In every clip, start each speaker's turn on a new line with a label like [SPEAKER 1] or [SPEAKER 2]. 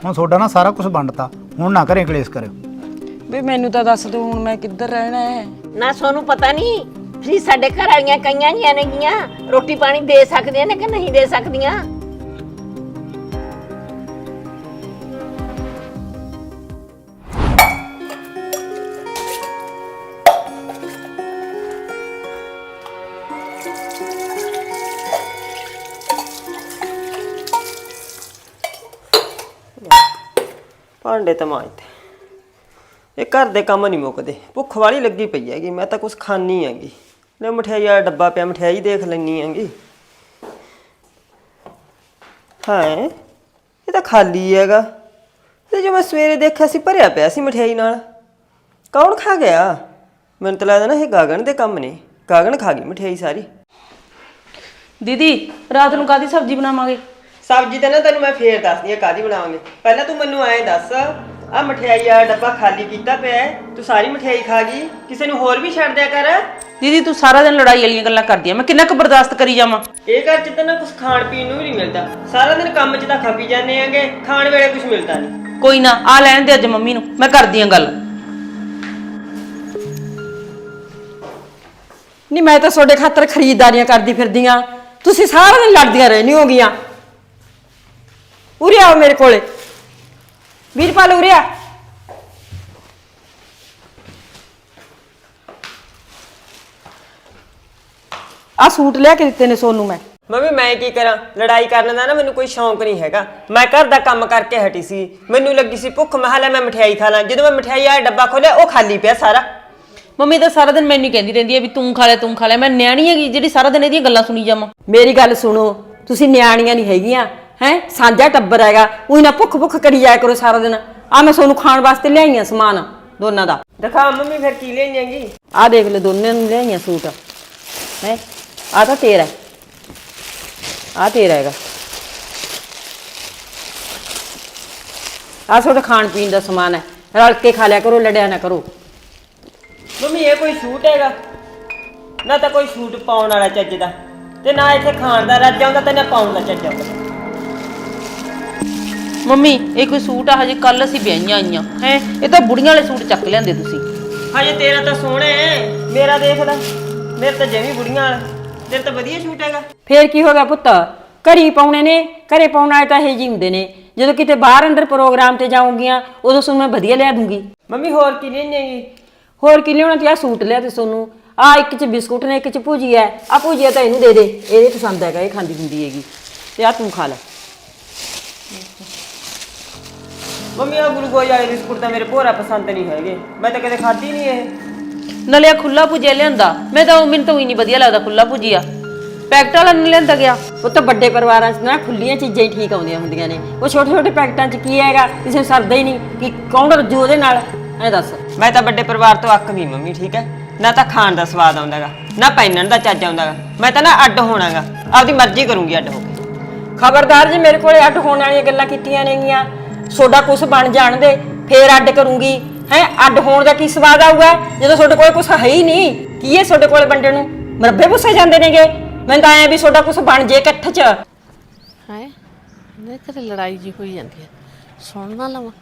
[SPEAKER 1] ਹੁਣ ਤੁਹਾਡਾ ਨਾ ਸਾਰਾ ਕੁਝ ਵੰਡਤਾ, ਹੁਣ ਨਾ ਘਰੇ ਕਲੇਸ਼ ਕਰਿਓ।
[SPEAKER 2] ਵੀ ਮੈਨੂੰ ਤਾਂ ਦੱਸ ਦਿਓ ਹੁਣ ਮੈਂ ਕਿੱਧਰ ਰਹਿਣਾ ਹੈ।
[SPEAKER 3] ਨਾ ਸੋਨੂੰ ਪਤਾ ਨਹੀਂ ਤੁਸੀਂ ਸਾਡੇ ਘਰ ਵਾਲੀਆਂ ਕਈਆਂ ਜੀਆਂ ਨੇਗੀਆਂ ਰੋਟੀ ਪਾਣੀ ਦੇ ਸਕਦੀਆਂ ਨੇ ਕਿ ਨਹੀਂ ਦੇ ਸਕਦੀਆਂ।
[SPEAKER 4] ਭਾਂਡੇ ਤਾਂ ਮਾਂਜਦੇ, ਇਹ ਘਰ ਦੇ ਕੰਮ ਨਹੀਂ ਮੁੱਕਦੇ। ਭੁੱਖ ਵਾਲੀ ਲੱਗੀ ਪਈ ਹੈਗੀ, ਮੈਂ ਤਾਂ ਕੁਛ ਖਾਣੀ ਹੈਗੀ। ਲੈ ਮਠਿਆਈ ਵਾਲਾ ਡੱਬਾ ਪਿਆ, ਮਠਿਆਈ ਦੇਖ ਲੈਣੀ ਹੈਗੀ। ਹਾਂ ਇਹ ਤਾਂ ਖਾਲੀ ਹੈਗਾ, ਤੇ ਜੋ ਮੈਂ ਸਵੇਰੇ ਦੇਖਿਆ ਸੀ ਭਰਿਆ ਪਿਆ ਸੀ ਮਠਿਆਈ ਨਾਲ। ਕੌਣ ਖਾ ਗਿਆ? ਮੈਨੂੰ ਤਾਂ ਲੱਗਦਾ ਨਾ ਇਹ ਗਾਗਣ ਦੇ ਕੰਮ ਨੇ। ਗਾਗਣ ਖਾ ਗਈ ਮਠਿਆਈ ਸਾਰੀ।
[SPEAKER 2] ਦੀਦੀ ਰਾਤ ਨੂੰ ਕਾਹਦੀ ਸਬਜ਼ੀ ਬਣਾਵਾਂਗੇ?
[SPEAKER 4] ਸਬਜ਼ੀ ਤਾਂ ਨਾ ਤੈਨੂੰ ਮੈਂ ਫੇਰ ਦੱਸਦੀ ਆ ਕਾਹਦੀ ਬਣਾਵਾਂਗੇ। ਪਹਿਲਾਂ ਤੂੰ ਮੈਨੂੰ ਐਂ ਦੱਸ, ਆ ਮਠਿਆਈ ਵਾਲਾ ਡੱਬਾ ਖਾਲੀ ਕੀਤਾ ਪਿਆ, ਤੂੰ ਸਾਰੀ ਮਠਿਆਈ ਖਾ ਗਈ, ਕਿਸੇ ਨੂੰ ਹੋਰ ਵੀ ਛੱਡ ਦਿਆ ਕਰ।
[SPEAKER 2] ਦੀਦੀ ਤੂੰ ਸਾਰਾ ਦਿਨ ਲੜਾਈ ਵਾਲੀਆਂ ਗੱਲਾਂ ਕਰਦੀ ਆ, ਮੈਂ ਕਿੰਨਾ ਕੁ ਬਰਦਾਸ਼ਤ ਕਰੀ ਜਾਵਾਂ।
[SPEAKER 4] ਇਹ ਘਰ 'ਚ ਤਾਂ ਨਾ ਕੁਝ ਖਾਣ ਪੀਣ ਨੂੰ ਵੀ ਨਹੀਂ ਮਿਲਦਾ, ਸਾਰਾ ਦਿਨ ਕੰਮ 'ਚ ਤਾਂ ਖਪੀ ਜਾਂਦੇ ਆਂਗੇ, ਖਾਣ ਵੇਲੇ ਕੁਝ ਮਿਲਦਾ ਨਹੀਂ।
[SPEAKER 2] ਕੋਈ ਨਾ ਆ ਲੈਣ ਦੇ ਅੱਜ ਮੰਮੀ ਨੂੰ, ਮੈਂ ਕਰਦੀ ਆ ਗੱਲ।
[SPEAKER 5] ਨਹੀਂ ਮੈਂ ਤਾਂ ਤੁਹਾਡੇ ਖਾਤਰ ਖਰੀਦਦਾਰੀਆਂ ਕਰਦੀ ਫਿਰਦੀ ਆਂ, ਤੁਸੀਂ ਸਾਰਾ ਦਿਨ ਲੜਦੀਆਂ ਰਹਿਣੀ ਹੋਗੀਆਂ। ਉਰੇ ਆਓ ਮੇਰੇ ਕੋਲੇ, ਵੀਰਪਾਲ ਉਰੇ ਆ। ਆ ਸੂਟ ਲਿਆ ਕੇ ਦਿੱਤੇ ਨੇ ਸੋਨੂੰ ਮੈਂ।
[SPEAKER 4] ਮੰਮੀ ਮੈਂ ਕੀ ਕਰਾਂ, ਲੜਾਈ ਕਰਨ ਦਾ ਨਾ ਮੈਨੂੰ ਕੋਈ ਸ਼ੌਂਕ ਨਹੀਂ ਹੈਗਾ। ਮੈਂ ਘਰ ਦਾ ਕੰਮ ਕਰਕੇ ਹਟੀ ਸੀ, ਮੈਨੂੰ ਲੱਗੀ ਸੀ ਭੁੱਖ, ਮੈਂ ਲੈ ਮੈਂ ਮਠਿਆਈ ਖਾ ਲਾਂ। ਜਦੋਂ ਮੈਂ ਮਠਿਆਈ ਵਾਲਾ ਡੱਬਾ ਖੋਲਿਆ ਉਹ ਖਾਲੀ ਪਿਆ ਸਾਰਾ।
[SPEAKER 2] ਮੰਮੀ ਤਾਂ ਸਾਰਾ ਦਿਨ ਮੈਨੂੰ ਕਹਿੰਦੀ ਰਹਿੰਦੀ ਆ ਵੀ ਤੂੰ ਖਾ ਲੈ ਤੂੰ ਖਾ ਲੈ। ਮੈਂ ਨਿਆਣੀ ਹੈਗੀ ਜਿਹੜੀ ਸਾਰਾ ਦਿਨ ਇਹਦੀਆਂ ਗੱਲਾਂ ਸੁਣੀ ਜਾਵਾਂ?
[SPEAKER 5] ਮੇਰੀ ਗੱਲ ਸੁਣੋ, ਤੁਸੀਂ ਨਿਆਣੀਆਂ ਨਹੀਂ ਹੈਗੀਆਂ ਹੈ, ਸਾਂਝਾ ਟੱਬਰ ਹੈਗਾ। ਉਹੀ ਨਾ ਭੁੱਖ ਭੁੱਖ ਕਰੀ ਜਾਇਆ ਕਰੋ ਸਾਰਾ ਦਿਨ। ਆ ਮੈਂ ਸੋਨੂੰ ਖਾਣ ਵਾਸਤੇ ਲਿਆਈਆਂ ਸਮਾਨ ਦੋਨਾਂ ਦਾ।
[SPEAKER 4] ਦਿਖਾ ਮੰਮੀ ਫਿਰ ਕੀ ਲੈਣੀਆਂਗੀ।
[SPEAKER 5] ਆ ਦੇਖ ਲੈ ਦੋਨਾਂ ਨੂੰ ਲਿਆਈਆਂ ਸੂਟ ਹੈ। ਆ ਤਾਂ ਤੇਰਾ, ਆ ਤੇਰਾ ਹੈਗਾ। ਆ ਤੁਹਾਡਾ ਖਾਣ ਪੀਣ ਦਾ ਸਮਾਨ ਹੈ, ਰਲ ਕੇ ਖਾ ਲਿਆ ਕਰੋ, ਲੜਿਆ ਨਾ ਕਰੋ।
[SPEAKER 4] ਮੰਮੀ ਇਹ ਕੋਈ ਸ਼ੂਟ ਹੈਗਾ? ਨਾ ਤਾਂ ਕੋਈ ਸ਼ੂਟ ਪਾਉਣ ਵਾਲਾ ਚੱਜ ਦਾ, ਤੇ ਨਾ ਇੱਥੇ ਖਾਣ ਦਾ ਰੱਜ ਆਉਂਦਾ, ਤੇ ਨਾ ਪਾਉਣ ਦਾ ਚੱਜ ਆਉਂਦਾ।
[SPEAKER 2] ਮੰਮੀ ਇਹ ਕੋਈ ਸੂਟ ਆ? ਹਜੇ ਕੱਲ ਅਸੀਂ ਵਿਆਹੀਆਂ ਆਈਆਂ ਹੈ, ਇਹ ਤਾਂ ਬੁੜੀਆਂ ਵਾਲੇ ਸੂਟ ਚੱਕ ਲਿਆਂਦੇ ਤੁਸੀਂ।
[SPEAKER 4] ਹਜੇ ਤੇਰਾ ਤਾਂ ਸੋਹਣਾ ਹੈ, ਮੇਰਾ ਦੇਖ ਲੈ, ਮੇਰੇ ਤਾਂ ਜਮੀ ਬੁੜੀਆਂ ਵਾਲਾ। ਤੇਰਾ ਤਾਂ ਵਧੀਆ ਸ਼ੂਟ ਹੈਗਾ।
[SPEAKER 5] ਫੇਰ ਕੀ ਹੋ ਗਿਆ ਪੁੱਤ, ਘਰੀ ਪਾਉਣੇ ਨੇ, ਘਰੇ ਪਾਉਣ ਵਾਲੇ ਤਾਂ ਇਹ ਜੀ ਹੁੰਦੇ ਨੇ। ਜਦੋਂ ਕਿਤੇ ਬਾਹਰ ਅੰਦਰ ਪ੍ਰੋਗਰਾਮ ਤੇ ਜਾਊਂਗੀਆਂ ਉਦੋਂ ਤੁਹਾਨੂੰ ਮੈਂ ਵਧੀਆ ਲਿਆ ਦੂੰਗੀ।
[SPEAKER 4] ਮੰਮੀ ਹੋਰ ਕੀ ਲੈਣੀਆਂਗੀ?
[SPEAKER 5] ਹੋਰ ਕੀ ਲਿਆਉਣਾ? ਤੇ ਆ ਸੂਟ ਲਿਆ ਤੇ ਤੁਹਾਨੂੰ ਆ ਇੱਕ ਚ ਬਿਸਕੁਟ ਨੇ, ਇੱਕ ਚ ਭੁਜੀਆ ਹੈ। ਆ ਭੁਜੀਆ ਤਾਂ ਇਹਨੂੰ ਦੇ ਦੇ, ਇਹਦੇ ਪਸੰਦ ਹੈਗਾ, ਇਹ ਖਾਂਦੀ ਹੁੰਦੀ ਹੈਗੀ। ਤੇ ਆ ਤੂੰ ਖਾ ਲੈ।
[SPEAKER 4] ਮੰਮੀ ਆ ਗਲੂਕੋਜ਼ ਵਾਲੇ ਬਿਸਕੁਟ ਤਾਂ ਮੇਰੇ ਭੋਰਾ ਪਸੰਦ ਨਹੀਂ ਹੈਗੇ, ਮੈਂ ਤਾਂ ਕਦੇ ਖਾਧੀ ਨਹੀਂ ਇਹ।
[SPEAKER 2] ਨਾਲੇ ਆ ਖੁੱਲਾ ਭੁਜਿਆ ਲਿਆਂਦਾ, ਮੈਨੂੰ ਤਾਂ ਹੀ ਨਹੀਂ ਵਧੀਆ ਲੱਗਦਾ ਖੁੱਲਾ ਭੁਜਿਆ। ਪੈਕਟ ਵਾਲਾ ਨਹੀਂ ਲਿਆਂਦਾ ਗਿਆ।
[SPEAKER 5] ਉਹ ਤਾਂ ਵੱਡੇ ਪਰਿਵਾਰਾਂ 'ਚ ਨਾ ਖੁੱਲੀਆਂ ਚੀਜ਼ਾਂ ਹੀ ਠੀਕ ਆਉਂਦੀਆਂ ਹੁੰਦੀਆਂ ਨੇ। ਉਹ ਛੋਟੇ ਛੋਟੇ ਪੈਕਟਾਂ 'ਚ ਕੀ ਹੈਗਾ, ਕਿਸੇ ਨੂੰ ਸਰਦਾ ਹੀ ਨਹੀਂ ਕਿ ਕੌਣ ਰੱਜੂ ਉਹਦੇ ਨਾਲ। ਐ ਦੱਸ।
[SPEAKER 4] ਮੈਂ ਤਾਂ ਵੱਡੇ ਪਰਿਵਾਰ ਤੋਂ ਅੱਕ ਗਈ ਮੰਮੀ, ਠੀਕ ਹੈ ਨਾ? ਤਾਂ ਖਾਣ ਦਾ ਸਵਾਦ ਆਉਂਦਾਗਾ, ਨਾ ਪਹਿਨਣ ਦਾ ਚੱਜ ਆਉਂਦਾਗਾ। ਮੈਂ ਤਾਂ ਨਾ ਅੱਡ ਹੋਣਾਗਾ, ਆਪਦੀ ਮਰਜ਼ੀ ਕਰੂੰਗੀ ਅੱਡ ਹੋ ਕੇ।
[SPEAKER 5] ਖਬਰਦਾਰ ਜੀ ਮੇਰੇ ਕੋਲੇ ਅੱਡ ਹੋਣ ਵਾਲੀਆਂ ਗੱਲਾਂ ਕੀਤੀਆਂ ਨੇਗੀਆਂ। ਤੁਹਾਡਾ ਕੁਛ ਬਣ ਜਾਣ ਦੇ, ਫੇਰ ਅੱਡ ਕਰੂੰਗੀ ਹੈ। ਅੱਡ ਹੋਣ ਦਾ ਕੀ ਸਵਾਦ ਆਊਗਾ ਜਦੋਂ ਤੁਹਾਡੇ ਕੋਲ ਕੁਛ ਹੈ ਹੀ ਨਹੀਂ? ਕੀ ਹੈ ਤੁਹਾਡੇ ਕੋਲੇ ਵੰਡਣ ਨੂੰ? ਮਰੱਬੇ ਪੁੱਸੇ ਜਾਂਦੇ ਨੇਗੇ। ਮੈਨੂੰ ਤਾਂ ਐ ਵੀ ਤੁਹਾਡਾ ਕੁਛ ਬਣ ਜੇ ਇਕੱਠ 'ਚ।
[SPEAKER 6] ਹੈ ਮੇਰੇ ਘਰੇ ਲੜਾਈ ਜੀ ਹੋਈ ਜਾਂਦੀ ਹੈ, ਸੁਣ ਨਾ ਲਵਾਂ।